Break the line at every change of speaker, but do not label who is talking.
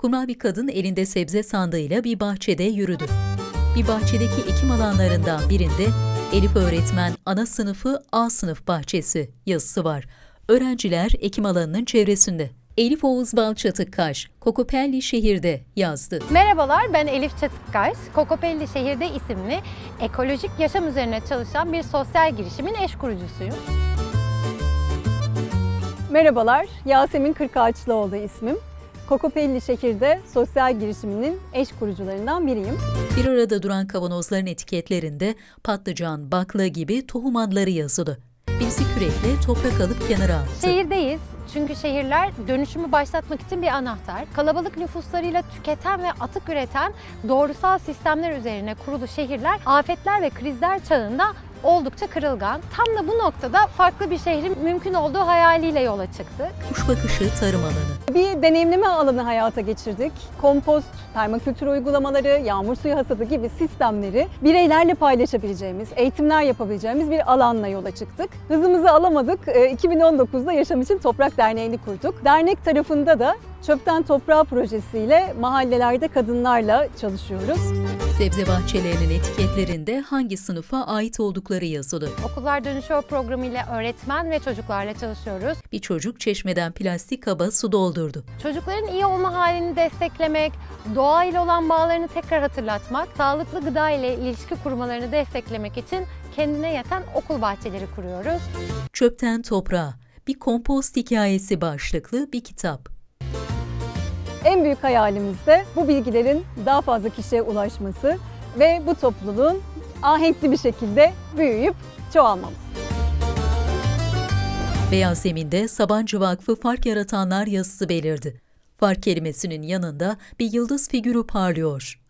Kumral bir kadın elinde sebze sandığıyla bir bahçede yürüdü. Bir bahçedeki ekim alanlarından birinde Elif öğretmen ana sınıfı A sınıf bahçesi yazısı var. Öğrenciler ekim alanının çevresinde. Elif Oğuz Balçatıkkaş, Kokopelli şehirde yazdı.
Merhabalar, ben Elif Çatıkkaş. Kokopelli şehirde isimli ekolojik yaşam üzerine çalışan bir sosyal girişimin eş kurucusuyum.
Merhabalar, Yasemin Kırkağaçlıoğlu ismim. Kokopelli şehirde sosyal girişiminin eş kurucularından biriyim.
Bir arada duran kavanozların etiketlerinde patlıcan, bakla gibi tohum adları yazılı. Birisi kürekle toprak alıp kenara attı.
Şehirdeyiz çünkü şehirler dönüşümü başlatmak için bir anahtar. Kalabalık nüfuslarıyla tüketen ve atık üreten doğrusal sistemler üzerine kurulu şehirler afetler ve krizler çağında oldukça kırılgan. Tam da bu noktada farklı bir şehrin mümkün olduğu hayaliyle yola çıktık.
Kuş bakışı tarım alanı.
Bir deneyimleme alanı hayata geçirdik. Kompost, permakültür uygulamaları, yağmur suyu hasadı gibi sistemleri bireylerle paylaşabileceğimiz, eğitimler yapabileceğimiz bir alanla yola çıktık. Hızımızı alamadık. 2019'da Yaşam İçin Toprak Derneği'ni kurduk. Dernek tarafında da Çöpten Toprağa projesiyle mahallelerde kadınlarla çalışıyoruz.
Sebze bahçelerinin etiketlerinde hangi sınıfa ait oldukları yazılı.
Okullar Dönüşüyor programıyla öğretmen ve çocuklarla çalışıyoruz.
Bir çocuk çeşmeden plastik kaba su doldurdu.
Çocukların iyi olma halini desteklemek, doğa ile olan bağlarını tekrar hatırlatmak, sağlıklı gıda ile ilişki kurmalarını desteklemek için kendine yeten okul bahçeleri kuruyoruz.
Çöpten toprağa, bir kompost hikayesi başlıklı bir kitap.
En büyük hayalimiz de bu bilgilerin daha fazla kişiye ulaşması ve bu topluluğun ahenkli bir şekilde büyüyüp çoğalmamız.
Beyaz zeminde Sabancı Vakfı Fark Yaratanlar yazısı belirdi. Fark kelimesinin yanında bir yıldız figürü parlıyor.